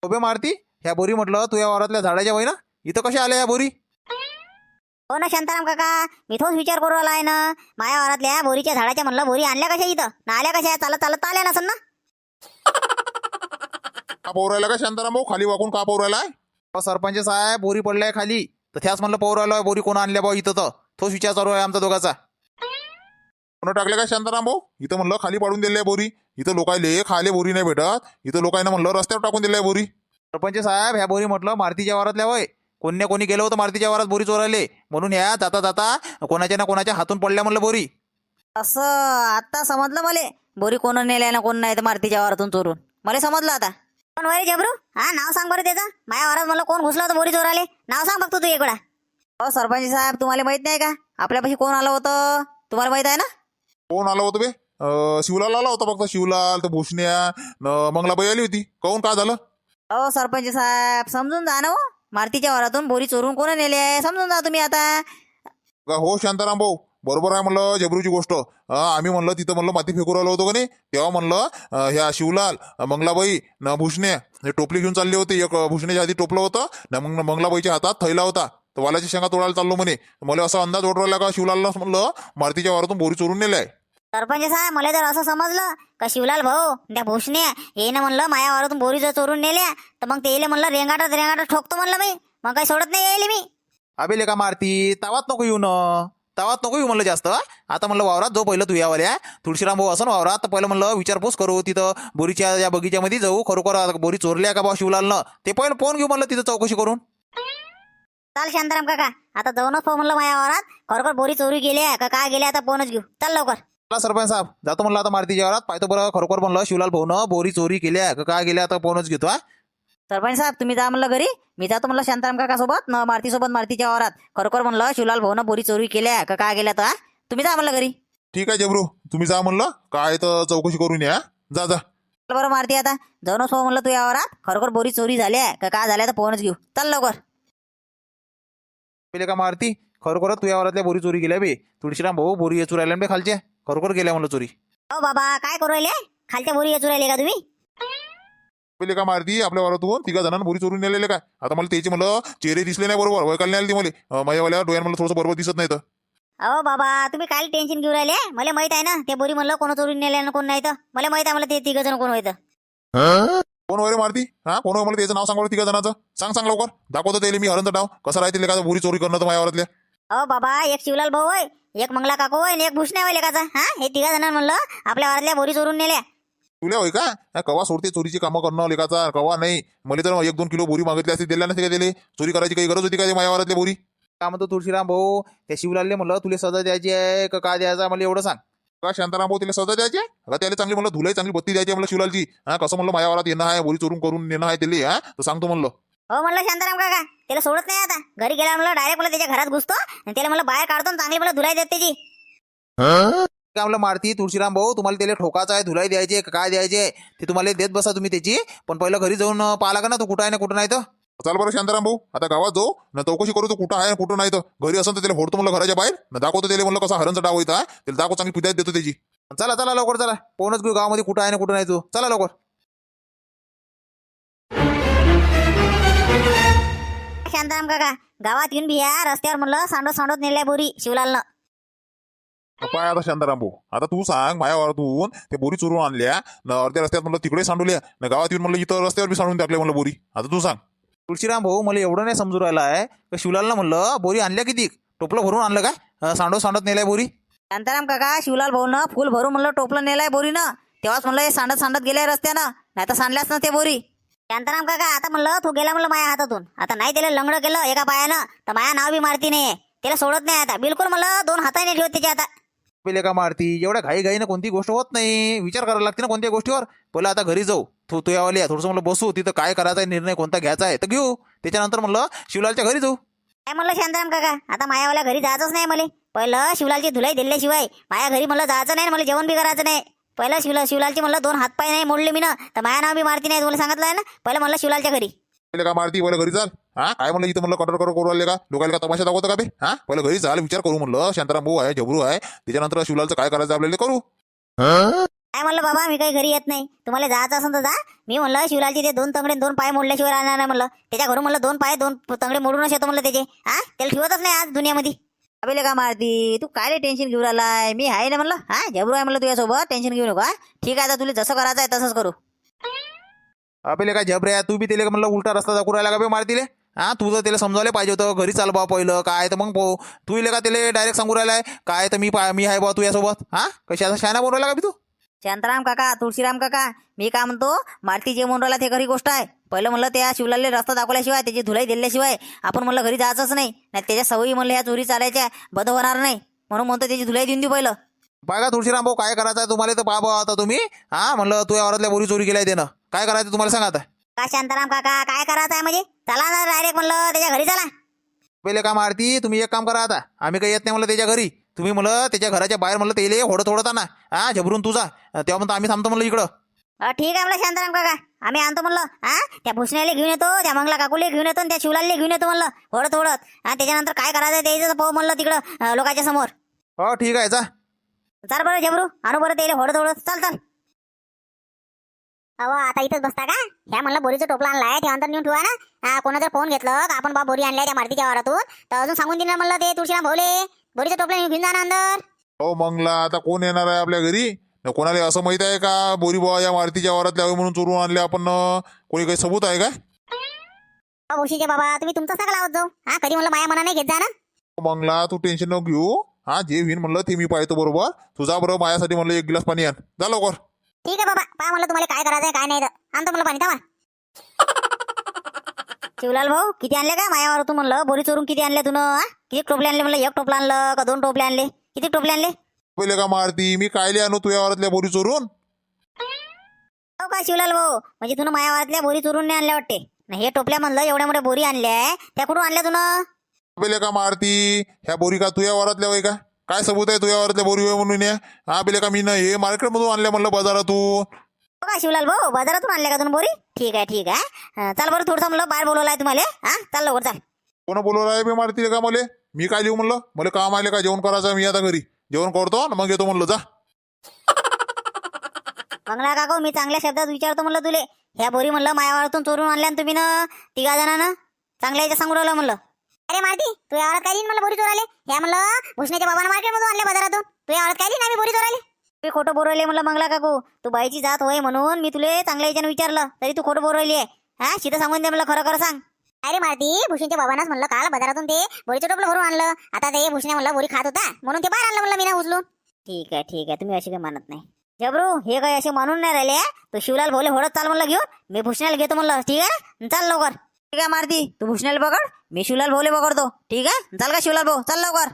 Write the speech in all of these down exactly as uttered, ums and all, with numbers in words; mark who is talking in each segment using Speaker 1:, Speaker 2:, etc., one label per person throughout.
Speaker 1: उभे मारती ह्या बोरी म्हटलं तू या वावरातल्या झाडाच्या वय ना इथं कशा आल्या या बोरी?
Speaker 2: हो ना शांताराम काका, मी तोच विचार करू आला आहे ना. माया वावरातल्या बोरीच्या झाडाच्या म्हणलं बोरी आणल्या कशा इथं ना आल्या कशा चालत चालत आल्या नसन ना.
Speaker 3: का पोरायला का शांताराम भाऊ खाली वाकून का पोरायलाय?
Speaker 1: अहो, सरपंच साहेब बोरी पडलाय खाली तर त्याच म्हणलं पोर आलोय बोरी कोण आणल्या भाऊ इथं तर तोच विचार चालू आहे आमचा दोघाचा.
Speaker 3: कोण टाकले का शांताराम भाऊ? इथं म्हणलं खाली पाडून दिले बोरी. इथं लोकायले खाले बोरी नाही भेटत. इथं लोकांना म्हणलं रस्त्यावर टाकून दिले बोरी.
Speaker 1: सरपंच साहेब ह्या बोरी म्हटलं मारुतीच्या वावरातल्या वय कोणी कोणी गेलं होतं मारुतीच्या वावरात बोरी चोरायले म्हणून ह्या जाता जाता कोणाच्या ना कोणाच्या हातून पडल्या म्हणलं बोरी.
Speaker 2: असं आता समजलं मले. बोरी कोण नेल्या ना कोण नाही तर मारुतीच्या वावरातून चोरून मला समजलं आता. कोण वय जबरू? हा नाव सांग बरं त्याचं. माया वावरात मला कोण घुसलं होतं बोरी चोराले? नाव सांग बघतो तू एक वेळा. हो सरपंच साहेब, तुम्हाला माहित नाही का आपल्यापाशी कोण आलं होतं? तुम्हाला माहित आहे ना?
Speaker 3: कोण आलं होतं बे? अं, शिवलाल आला होता फक्त. शिवलाल तर भूषण्या न मंगलाबाई आली होती. काहून काय झालं?
Speaker 2: हो सरपंच साहेब, समजून जा ना. हो मारुतीच्या वावरातून बोरी चोरून कोण नेली आहे समजून जा तुम्ही आता.
Speaker 3: का हो शांताराम भाऊ, बरोबर आहे म्हणलं जबरूची गोष्ट. अं, आम्ही म्हणलं तिथं म्हणलं माती फेकून राहिलो होतो का नाही तेव्हा म्हणलं अं, ह्या शिवलाल मंगलाबाई न भूषण्या हे टोपली घेऊन चालले होते. एक भूषण्याच्या आधी टोपलं होतं न मग मंगलाबाईच्या हातात थैला होता. तर वालाची शेंगा तोडायला चाललो म्हणे. मला असा अंदाज ओढ राहिला का शिवलालला म्हणलं मारुतीच्या वावरातून बोरी चोरून नेलाय.
Speaker 2: सरपंच साहेब, मला जर असं समजलं का शिवलाल भाऊ त्या भूषण्या हे ना म्हणलं माया वावरातून बोरी जर चोरून नेल्या तर मग ते म्हणलं रेंगाटत रेंगाटत ठोकतो म्हणलं मी. मग काही सोडत नाही यायले मी.
Speaker 1: अबे लेका मारती तावात नको येऊ न तावात नको येऊ म्हणलं जास्त. आता म्हणलं वावरात जो पहिलं तू यावाल्या तुळशीराम भाऊ असं वावरात तर पहिलं म्हणलं विचारपूस करू तिथं बोरीच्या या बगीच्यामध्ये जाऊ खरोखर बोरी चोरल्या का बा शिवलालनं ते पहिलं फोन घेऊ म्हणलं तिथं चौकशी करून.
Speaker 2: चाल शांताराम काका, आता जाऊनच पाहू म्हणलं माया वावरात खरोखर बोरी चोरी गेल्या का काय गेल्या आता फोनच घेऊ. चल लवकर.
Speaker 1: चला सरपंच साहेब जातो म्हणलं आता मारुतीच्या वावरात पाहतो बरं खरोखर म्हणलं शिवलाल भाऊनं बोरी चोरी केल्या का काय गेल्या आता फोनच घेतो. हा
Speaker 2: सरपंच साहेब, तुम्ही जा म्हणलं घरी, मी जातो म्हणलं शांताराम काका सोबत न मारुती सोबत मारुतीच्या वावरात खरोखर म्हणलं शिवलाल भाऊनं बोरी चोरी केल्या का काय गेल्या तर. तुम्ही जा म्हणलं घरी.
Speaker 3: ठीक आहे जबरू, तुम्ही जा म्हणलं काय तर चौकशी करून या. जा जा.
Speaker 2: चल बरं मारुती, आता जाऊनच पाहू म्हणलं तू या वावरात खरोखर बोरी चोरी झाल्या का काय झाल्या तर फोनच घेऊ. चल लवकर.
Speaker 1: पहिले का मारती खरोखर तू या वावरातल्या बोरी चोरी गेल्या बे तुळशीराम भाऊ बोरी चोरायला बे खालच्या खरोखर गेल्या म्हणलं चोरी.
Speaker 2: हो बाबा, काय करू राहिले? खालच्या बोरी येचू राहिले का तुम्ही?
Speaker 3: पहिले का मारती आपल्या वावरातून तिघा जणांना बोरी चोरून नेलेले काय? आता मला त्याचे म्हणलं चेहरे दिसले नाही बरोबर वयकाल नाही आली मला माझ्यावाल्या डोळ्यात मला थोडंसं बरोबर दिसत नाही तर.
Speaker 2: अहो बाबा, तुम्ही काय टेन्शन घेऊ राहिले? मला माहित आहे ना ते बोरी म्हणलं कोण चोरून नेल्या कोण नाही तर. मला माहित आहे मला ते तिघ जण कोण होतं.
Speaker 3: कोण वगैरे मारती? हा कोण होय मला त्याचं नाव सांगा तिघा जणांचं. सांग सांग लवकर. दाखवतो त्याला मी हरणचं डाव कसं राहतील का बोरी चोरी करणं तर माझ्या वावरातल्या.
Speaker 2: अहो बाबा, एक शिवलाल भाऊ होय, एक मंगला काकू होय आणि एक भूषण्या होय लेकाचा. हा हे तिघा जणांना म्हणलं आपल्या वावरातल्या बोरी चोरून नेल्या.
Speaker 3: तुला होय का? हा, कवा सोडते चोरीची कामं करणं लेखाचा कवा नाही. मला तर एक दोन किलो बोरी मागितली असती दिल्या नसते का त्याला? चोरी करायची काही गरज होती का माझ्या वावरातल्या बोरी?
Speaker 1: का म्हणतो तुळशीराम भाऊ त्या शिवलालले म्हणलं तुला सजा द्यायची आहे का काय द्यायचा मला एवढं सांग.
Speaker 3: का शांताराम भाऊ तिला सजा द्यायची का त्याला चांगली म्हणलं धुलाई चांगली बत्ती द्यायची म्हणलं शिवलालची. हा कसं म्हणलं माझ्या वावरात येणं आहे बोरी चोरून करून नेणं आहे त्याला. हा तर सांगतो म्हणलं.
Speaker 2: हो म्हणलं शांताराम काका, त्याला सोडत नाही आता. घरी गेला म्हणलं डायरेक्ट मला त्याच्या घरात घुसतो आणि त्याला मला बाहेर काढतो चांगली मला धुलाई देत त्याची.
Speaker 1: काय म्हणलं मारती तुळशीराम भाऊ तुम्हाला त्याला ठोकाचा आहे धुलाई द्यायची का काय द्यायचे ते तुम्हाला देत बसा तुम्ही त्याची. पण पहिलं घरी जाऊन पाहा का ना तू कुठं आहे ना कुठं नाही तर.
Speaker 3: चाल बरं शांताराम भाऊ, आता गावात जाऊ ना चौकशी करू तो कुठं आहे कुठं नाही तर. घरी असं तर त्याला फोडतो म्हणलं घराच्या बाहेर ना दाखवतो त्याला म्हणलं कसा हरणचा डाव होता त्याला दाखव चांगली पिदायत देतो त्याची.
Speaker 1: चला चला लवकर चला पोहणच घेऊ गावामध्ये कुठं आहे ना कुठं नाही तू. चला लवकर.
Speaker 2: शांताराम काका, गावात येऊन बिया रस्त्यावर म्हणलं सांडत सांडत नेल्या बोरी शिवलालनं.
Speaker 3: पाय आता शांताराम भाऊ, आता तू सांग माझ्या वावरातून ते बोरी चोरून आणल्या ना अर्ध्या रस्त्यात म्हणलं तिकडे सांडवल्या ना गावात येऊन म्हणलं इथं रस्त्यावर बी सांडून टाकले म्हणलं बोरी. आता तू सांग.
Speaker 1: तुळशीराम भाऊ मला एवढं नाही समजू राहिला आहे का शिवलालनं म्हणलं बोरी आणल्या किती टोपलं भरून आणलं काय सांडो सांडत नेलाय बोरी.
Speaker 2: शांताराम काका, शिवलाल भाऊनं फुल भरून म्हणलं टोपलं नेलाय बोरीनं. तेव्हाच म्हणलं हे सांडत सांडत गेल्या रस्त्यानं, नाही तर सांडल्याच ना ते बोरी. शांताराम काका, आता म्हणलं तो गेला म्हणलं माझ्या हातातून. आता नाही त्याला लंगडं केलं एका पायानं तर माझ्या नाव बी मारती नाही. त्याला सोडत नाही आता बिलकुल. म्हणलं दोन हाताने ठेवत त्याच्या आता.
Speaker 1: पहिले का मारती एवढ्या घाई घाईनं कोणती गोष्ट होत नाही. विचार करायला लागते ना कोणत्या गोष्टीवर. पहिलं आता घरी जाऊ तू तू यावाली थोडंसं म्हणलं बसू तिथं काय करायचा आहे निर्णय कोणता घ्यायचा आहे तर घेऊ. त्याच्यानंतर म्हणलं शिवलालच्या घरी जाऊ.
Speaker 2: काय म्हणलं शांताराम काका, आता मायावाल्या घरी जायचंच नाही मला. पहिलं शिवलालची धुलाई दिल्याशिवाय माझ्या घरी म्हणलं जायचं नाही. मला जेवण बी करायचं नाही. पहिलं शिवला शिवलालची म्हणलं दोन हातपाय नाही मोडले मी ना तर माझ्या नाव बी मारती नाही. तुम्हाला सांगितलं आहे ना. पहिलं म्हणलं शिवलालच्या घरी.
Speaker 3: पहिले का मारती पहिलं घरी चाल. हा काय म्हणलं इथं म्हणलं कटर करू आले का लोकांना का तमाशा दाखवतो का बे? हा पहिलं घरी चाल विचार करू म्हणलं. शांताराम भाऊ आहे जबरू आहे त्याच्यानंतर शिवलालचं काय करायचं आपल्याला करू.
Speaker 2: काय म्हणलं बाबा, मी काही घरी येत नाही. तुम्हाला जायचं असेल तर जा. मी म्हणलं शिवलालचे ते दोन तंगडे दोन पाय मोडल्याशिवाय राहणार नाही म्हणलं. त्याच्या घरून म्हणलं दोन पाय दोन तंगडे मोडूनच येतो म्हणलं त्याचे. हा, त्याला ठेवतच नाही आज दुनियामध्ये. अबे का मारती, तू काय टेन्शन घेऊन आलाय? मी आहे ना म्हणलं. हा, जबरू आहे म्हणलं तुझ्यासोबत, टेन्शन घेऊ नका. ठीक आहे, आता तुला जसं करायचं आहे तसंच करू.
Speaker 1: अबे काय झबऱ्या, तू बी त्याला म्हणलं उलटा रस्ता दाखवू राहिला का बे मारतीले? हा, तुझं त्याला समजावलं पाहिजे होतं, घरी चाल बा पहिलं काय तर मग पो तू इले का त्याला डायरेक्ट सांगू राहिलाय काय तर मी पा- मी आहे बा तुझ्यासोबत. हा, कशाचा शायना बोलू राहिला का बी तू?
Speaker 2: शांताराम काका, तुळशीराम काका, मी काय म्हणतो, मारती जे म्हणून राहिला ते खरी गोष्ट आहे. पहिलं म्हणलं त्या शिवलालले रस्ता दाखवल्याशिवाय त्याची धुलाई दिल्याशिवाय आपण म्हणलं घरी जायचंच नाही. नाही त्याच्या सवयी म्हणलं ह्या चोरी चालायच्या बंद होणार नाही, म्हणून म्हणतो त्याची धुलाई देऊन देऊ पहिलं.
Speaker 1: बघा तुळशीराम भाऊ, काय करायचं आहे तुम्हाला तर बाबा आता तुम्ही. हा, म्हणलं तुझ्या वरातल्या बोरी चोरी केल्या त्यानं, काय करायचं तुम्हाला सांगा आता.
Speaker 2: का शांताराम काका, काय करायचं आहे म्हणजे? चला ना डायरेक्ट म्हणलं त्याच्या घरी चला.
Speaker 1: पहिले का मारती, तुम्ही एक काम करा आता, आम्ही काही येत नाही म्हणलं त्याच्या घरी. तुम्ही म्हणलं त्याच्या घराच्या बाहेर म्हणलं तेले होडत होडत ना. हा, झबरून तुझा तेव्हा म्हणतो आम्ही थांबतो म्हणलं इकडं.
Speaker 2: अ, ठीक आहे म्हणलं शांताराम काका, आम्ही आणतो म्हणलं. हा, त्या भुसण्याला घेऊन येतो, त्या मंगला काकूले घेऊन येतो आणि त्या शिवलालले घेऊन येतो म्हणलं होडत होडत. हा, त्याच्यानंतर काय करायचं त्याचं पाहू म्हणलं तिकडं अ, लोकांच्या समोर.
Speaker 1: हो ठीक आहे, जा.
Speaker 2: चाल बरं झबरू, आणू बरं त्याला होडत होडत. चाल चाल. अहो, आता इथंच बसता का? ह्या म्हणलं बोरीचं टोपला आणलाय, ते अंतर नेऊन ठेवा ना. हा, कोणा जर फोन घेतलं का आपण बा बोरी आणलाय त्या मारुतीच्या वावरातून, तर अजून सांगून दिलं म्हणलं ते तुळशीराम भाऊले बोरीचं टोपला घेऊन जा ना अंदर.
Speaker 3: हो मंगला, आता कोण येणार आहे आपल्या घरी? न कोणाला असं माहित आहे का बोरी बुवा या मारुतीच्या वावरात लावे म्हणून चोरून आणले आपण? न कोणी काही सबूत आहे का?
Speaker 2: अहो, भुशीचे बाबा, तुम्ही तुमचं सगळं लावत जाऊ. हा, कधी म्हणलं माया मना नाही घेत जा ना.
Speaker 3: हो मंगला, तू टेन्शन नको घेऊ. हा, जे होईन म्हणलं ते मी पाहतो बरोबर. तुझा बरोबर माझ्यासाठी म्हणलं एक गिलास पाणी आण, जा लवकर.
Speaker 2: ठीक आहे बाबा, पहा म्हणलं तुम्हाला काय करायचंय काय नाही तर आणतो म्हणलं पाणी. थांबा. शिवलाल भाऊ, किती आणले का मायावर तू म्हणलं बोरी चोरून? किती आणले तुन? किती टोपले आणले म्हणलं? एक टोपला आणलं का दोन टोपले आणले? किती टोपले आणले?
Speaker 3: पहिले का मारती, मी कायले आणू तुझ्या वावरातल्या बोरी चोरून?
Speaker 2: हो का शिवलाल भाऊ, म्हणजे तुला मायावरातल्या बोरी चोरून नाही आणल्या वाटते ना? हे टोपल्या म्हणलं एवढ्या मोठ्या बोरी आणल्या, त्या कुठून आणल्या तुन?
Speaker 3: पहिले का मारती, ह्या बोरी का तुझ्या वावरातल्या वय का? काय सबूत आहे तुझ्या वावरातल्या बोरी वय म्हणून? या हा, पहिले का मी ना हे मार्केट मधून आणल्या म्हणलं बाजारातून.
Speaker 2: हो का शिवलाल भाऊ, बाजारातून आणल्या का तुम्ही बोरी? ठीक आहे ठीक आहे. अं, चाल बरं, थोडंसं म्हणलं बाहेर बोलवलाय तुम्हाला. हा, चाल लवकर चाल.
Speaker 3: कोण बोलवलं आहे बे मारती का मले? मी काय लिहू म्हणलं? मला काम आले का जेवण करायचं? मी आता घरी जेवण करतो ना मग येतो म्हणलं, जा.
Speaker 2: मंगला काकू, मी चांगल्या शब्दात विचारतो म्हणलं तुले, ह्या बोरी म्हणलं मायावरातून चोरून आणल्या ना तुम्ही ना तिघा जणांना? चांगल्या याच्या सांगू राहिलं म्हणलं. अरे मारती, तू यावरात काय लिहिन म्हणलं बोरी चोराले? ह्या म्हणलं भुसण्याच्या बाबांना मार्केटमधून आणले बाजारातून. तू यावरात काय लिहिन आम्ही बोरी चोराले? मी खोटं बोलवले म्हणलं मंगला काकू. तू बाईची जात होय म्हणून मी तुले चांगल्या याच्यानं विचारलं, तरी तू खोटं बोलवली आहे. हा, शिथं सांगून दे म्हणलं, खरं खरं सांग. अरे मारती, भुसण्याच्या बाबांनाच म्हणलं काल बाजारातून ते बोरीचं टोपलं भरून आणलं. आता ते भुसण्या म्हणलं बोरी खात होता म्हणून ते बाहेर आणलं म्हणलं मी ना उचलून. ठीक आहे ठीक आहे, तुम्ही अशी काही मानत नाही. जबरू, हे काही असे मानून नाही राहिले. तू शिवलाल भोले होडत चाल म्हणलं घेऊन, मी भुसण्याला घेतो म्हणलं. ठीक आहे, चाल लवकर. ठीक आहे मारती, तू भुसण्याला पकड, मी शिवलाल भोले पकडतो. ठीक आहे, चाल का शिवलाल भाऊ, चाल लवकर.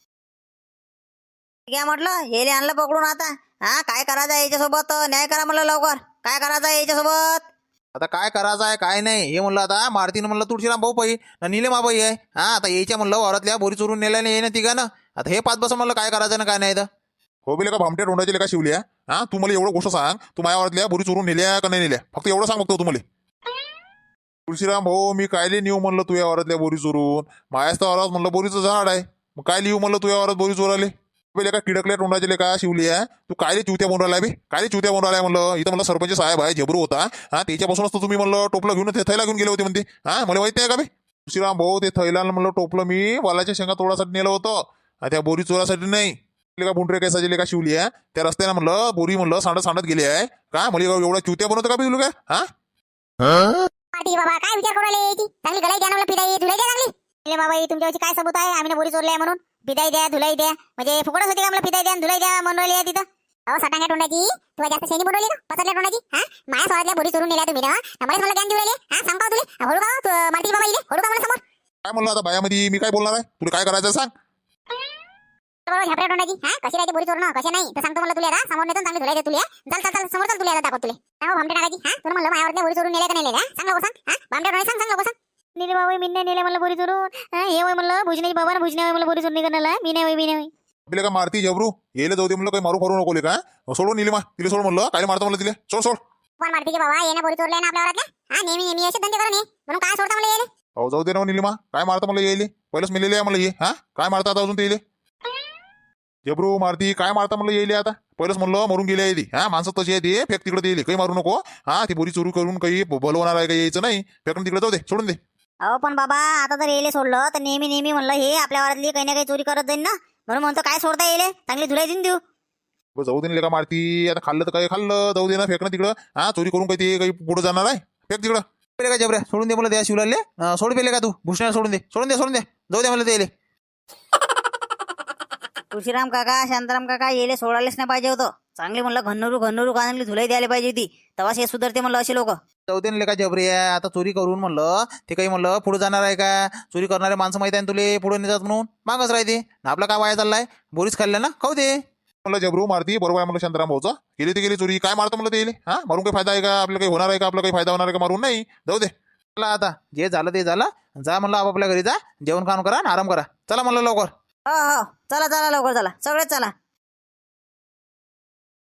Speaker 2: ठीक आहे म्हटलं, हे आणलं पकडून. आता हा, काय करायचं आहे याच्यासोबत? न्याय करा म्हणलं लवकर. काय करायचं आहे याच्यासोबत?
Speaker 1: आता काय करायचं आहे काय नाही हे म्हणलं. आता मारतीनं म्हणलं तुळशीराम भाऊ पाई ना नीलमाबाई आहे. हा, आता यायच्या म्हणलं वावरातल्या बोरी चोरून नेल्या नाही ना तिघानं. आता हे पाच बस म्हणलं काय करायचं ना काय नाही तर.
Speaker 3: हो बिले का भामट्या तोंडाचे लेका शिवल्या? हा, तू मला एवढं गोष्ट सांग, तू माझ्या वावरातल्या बोरी चोरून नेल्या का नाही नेल्या? फक्त एवढं सांग बघतो तुम्हाला. तुळशीराम भाऊ, मी कायले नेऊ म्हणलं तुझ्या वावरातल्या बोरी चोरून? माझ्याच तर वावरात म्हणलं बोरीचं झाड आहे, मग काय लिहू म्हणलं तुझ्या वावरात बोरी चोराले? पहिले का किडकल्या तोंडाचे लेका शिवल्या? तू कायले चिवत्या म्हणून राहिला बे? कायले चिवत्या म्हणून राहिला म्हणलं? इथं म्हणलं सरपंच साहेब आहे, झबरू होता. हा, त्याच्यापासूनच तर तुम्ही म्हणलं टोपलं घेऊन ते थैला घेऊन गेले होते म्हणते. हा, मला माहिती आहे का बे? तुळशीराम भाऊ, ते थैला म्हणलं टोपलं मी वालाच्या शेंगा तोडासाठी नेलं होतं, त्या बोरी चोरासाठी नाही. का बुंडरे केसाचे लेका शिवली आहे त्या रस्त्यानं म्हणलं बोरी म्हणलं सांडत सांडत गेली आहे का? मला एवढा चिवत्या बनवतं का बे तुला? काय हा
Speaker 2: पाटी बाबा, काय विचार करू राहिले? चांगली गलाई द्या ना म्हणलं, पिदाई धुलाई द्या चांगली. अरे बाबा, तुमच्यावरची काय सबूत आहे? आम्ही ना बोरी चोरली आहे म्हणून पिदाई द्या धुलाई द्या म्हणजे फुकटच होती का म्हणलं? पिदाई द्या धुलाई द्या म्हणून राहिली आहे तिथं. अहो साठांग्या तोंडाची, तुला जास्त शेणी बनवली का? पसरल्या तोंडाची. हा, माझ्या स्वरातल्या बोरी चोरून नेल्या तुम्ही ना, मलाच मला ज्ञान देऊ राहिले. हा, सांग का तुले? होडू का तू मारती बाबा इले? होडू का मला समोर?
Speaker 3: काय म्हणलं आता बायामध्ये मी काय बोलणार आहे? तुला काय करायचं सांग.
Speaker 2: बरोबर झापऱ्या तोंडाची. हा, कशी राहते बोरी चोरणं कशा नाही तर सांगतो म्हणलं तुला. आता समोर नेतो चांगली धुलाई दे तुला. चल चल चल समोर चल, तुला दाखव तुला. सांग भामटे टाकायची. हा, तुला म्हणलं माझ्यावरल्या बोरी चोरून नेल्या का नाही नेल्या? सांग लवकर सांग. हा, भामटे तोंडाची सांग सांग लवकर सांग. नीले बाबा, मी नाही नेल्या म्हणलं बोरी चोरून. हे होय म्हणलं भुजण्याची बाबा ना, भुजण्या म्हणलं बोरी चोरून करण्याला. मी नाही होय, मी नाही होय.
Speaker 3: आपल्या का मारती झबरू? येले जाऊ दे म्हणलं, काही मारू करू नको का? सोडून निलिमा तिला सोड म्हणलं. काय मारतो म्हणलं तिला? सोड सोड.
Speaker 2: पण मारती बाबा, ये ना बोरी चोरल्या ना आपल्या वरातल्या. हा, नेहमी नेहमी असे धंदे करून ये म्हणून काय सोडता मला येले?
Speaker 3: हो जाऊ दे ना निलिमा, काय मारता म्हणलं येईल? पहिलंच मिलेले आहे म्हणलं हे. हा, काय मारता आता अजून ते येईल? जबरू मारती काय मारता म्हणलं येईल आता पहिलंच म्हणलं मरून गेले आहे ती हा माणसं तशी आहे ती फेक तिकडे येईल काही मारू नको हा ती बोरी चोरी करून काही भलवणार आहे काही यायचं नाही फेकून तिकडे जाऊ दे सोडून दे
Speaker 2: अहो पण बाबा आता जर येले सोडलं तर नेहमी नेहमी म्हणलं हे आपल्या वारातली काही ना काही चोरी करत जाईल ना म्हणून म्हणतो काय सोडता येईल चांगली धुलाई देऊन देऊ
Speaker 3: बरं, जाऊ दे ना लेका मारती आता खाल्लं तर काही खाल्लं जाऊ दे ना फेकणं तिकडं हा चोरी करून काही ते काही पुढे जाणार आहे फेक तिकडं
Speaker 1: पेले का जबऱ्या सोडून दे मला त्या शिवलाले अं, सोड पेले का तू भूषणाला सोडून दे सोडून दे सोडून दे जाऊ दे मला ते
Speaker 2: तुळशीराम काका शांताराम काका येले सोडायलाच नाही पाहिजे होतं चांगली म्हणलं घन्नरू घन्नरू चांगली धुलाई द्यायला पाहिजे होती तेव्हाच हे सुधारते म्हणलं असे लोक
Speaker 1: जाऊ दे ना लेका जबरी आहे आता चोरी करून म्हणलं ते काही म्हणलं पुढे जाणार आहे का चोरी करणारे माणसं माहिती आहे ना तुले पुढे नेतात म्हणून मागच राहते आपला काय वाया चाललाय बोरीच खाल्ल्या ना खाऊ दे
Speaker 3: म्हणलं जबरू मारती बरोबर आहे म्हणलं शांताराम भाऊचा गेली ते गेली चोरी काय मारतं म्हणलं ते येईल हा मारून काही फायदा आहे का आपल्याला काही होणार आहे का आपला काही फायदा होणार आहे का मारून नाही जाऊ दे
Speaker 1: चला आता जे झालं ते झालं जा म्हणलं आपापल्या घरी जा जेवण खाऊन करा आणि आराम करा चला म्हणलं लवकर
Speaker 2: हो हो चला चला लवकर चला सगळेच चला